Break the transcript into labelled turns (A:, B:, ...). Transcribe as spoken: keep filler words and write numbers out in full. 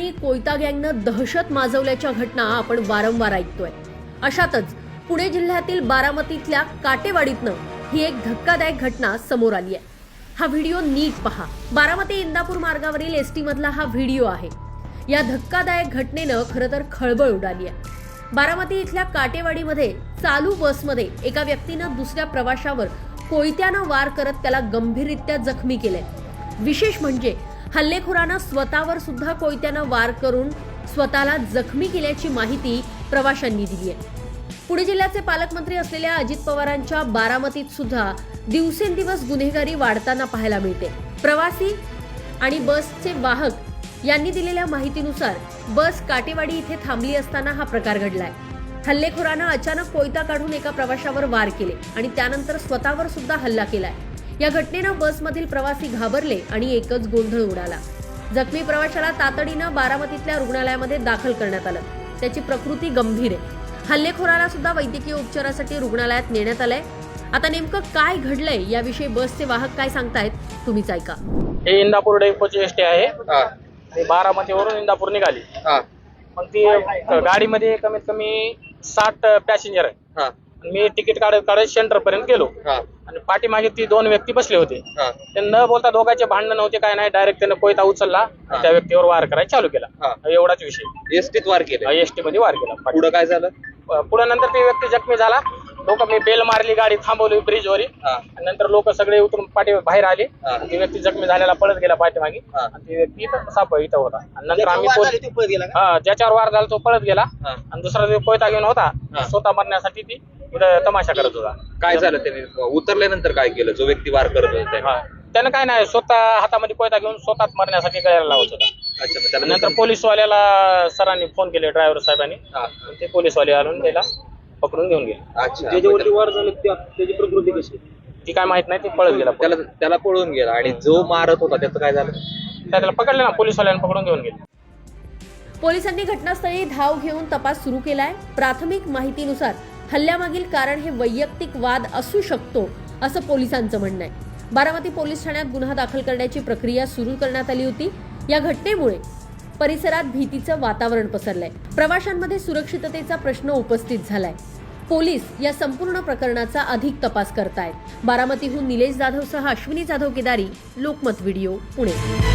A: ठिकाणी कोयता गँगनं दहशत माजवल्याच्या घटना आपण वारंवार ऐकतोय। अशातच पुणे जिल्ह्यातील बारामतीतल्या काटेवाडीतनं ही एक धक्कादायक घटना समोर आली आहे। हा व्हिडिओ नीट पहा। बारामती इंदापूर मार्गावरील एसटी मधला हा व्हिडिओ आहे। या धक्कादायक घटनेनं खरं तर खळबळ उडाली आहे। बारामती इथल्या काटेवाडीमध्ये चालू बसमध्ये एका व्यक्तीनं दुसऱ्या प्रवाशावर कोयत्यानं वार करत त्याला गंभीररित्या जखमी केले। विशेष म्हणजे हल्लेखोरानं स्वतःवर सुद्धा कोयत्यानं वार करून स्वतःला जखमी केल्याची माहिती प्रवाशांनी दिली आहे। पुणे जिल्ह्याचे पालकमंत्री असलेल्या अजित पवारांच्या बारामतीत सुद्धा दिवसेंदिवस गुन्हेगारी वाढताना पाहायला मिळते। प्रवासी आणि बसचे वाहक यांनी दिलेल्या माहितीनुसार बस काटेवाडी इथे थांबली असताना हा प्रकार घडलाय। हल्लेखोरानं अचानक कोयता काढून एका प्रवाशावर वार केले आणि त्यानंतर स्वतःवर सुद्धा हल्ला केलाय। या घटनेनं बसमधील प्रवासी घाबरले आणि एकच गोंधळ उडाला। जखमी प्रवाशाला तातडीनं बारामतीतल्या रुग्णालयामध्ये दाखल करण्यात आलं। त्याची प्रकृती गंभीर आहे। हल्लेखोराला सुद्धा वैद्यकीय उपचारासाठी रुग्णालयात नेण्यात आलंय। आता नेमकं काय घडलंय याविषयी बसचे वाहक काय सांगतायत तुम्हीच ऐका।
B: हे इंदापूर डेपोची एसटी आहे। ते बारामतीवरून इंदापूर निघाली। मग ती गाडीमध्ये कमीत कमी साठ पॅसेंजर आहे। मी तिकीट काढत काढत सेंटर पर्यंत गेलो आणि पाठीमागे ती दोन व्यक्ती बसले होते। ते न बोलता दोघांचे भांडण नव्हते, काय नाही, डायरेक्ट त्याने कोयता उचलला, त्या व्यक्तीवर वार करायला चालू केला। एवढाच विषय।
C: एसटीत वार केला?
B: एसटी मध्ये वार केला।
C: पुढे काय झालं?
B: पुढे नंतर ती व्यक्ती जखमी झाला। लोक मी बेल मारली, गाडी थांबवली ब्रिजवर, नंतर लोक सगळे उतरून पाठी बाहेर आले। ती व्यक्ती जखमी झालेला पळत गेला पाठीमागे आणि ती व्यक्ती साप इथं होता। नंतर आम्ही हा ज्याच्यावर वार झाला तो पळत गेला आणि दुसरा जो कोयता घेऊन होता स्वतः मरण्यासाठी ती इथं तमाशा करत होता।
C: काय झालं त्याने उतरल्यानंतर काय केलं? जो व्यक्ती वार करत होता
B: त्यानं काय नाही, स्वतः हातामध्ये कोयता घेऊन स्वतःच मरण्यासाठी गळ्याला लावत होता।
C: अच्छा,
B: नंतर पोलीसवाल्याला सरांनी फोन केले, ड्रायव्हर साहेबांनी, ते पोलीसवाले आणून त्याला पकडून घेऊन गेले।
C: अच्छा,
D: ज्याच्यावरती वार झाले त्याची प्रकृती कशी?
B: ती काय माहित नाही, ती पळत गेला।
C: त्याला त्याला पळून गेला आणि जो मारत होता त्याचं काय झालं?
B: त्याला पकडले ना, पोलीसवाल्यांनी पकडून घेऊन गेले।
A: पोलिसांनी घटनास्थळी धाव घेऊन तपास सुरू केलाय। प्राथमिक माहितीनुसार हल्ल्यामागील कारण हे वैयक्तिक वाद असू शकतो असं पोलिसांचं म्हणणं आहे। बारामती पोलीस ठाण्यात गुन्हा दाखल करण्याची प्रक्रिया सुरू करण्यात आली होती। या घटनेमुळे परिसरात भीतीचं वातावरण पसरलंय। प्रवाशांमध्ये सुरक्षिततेचा प्रश्न उपस्थित झालाय। पोलीस या संपूर्ण प्रकरणाचा अधिक तपास करतायत। बारामतीहून निलेश जाधवसह अश्विनी जाधव केदारी, लोकमत व्हिडिओ, पुणे।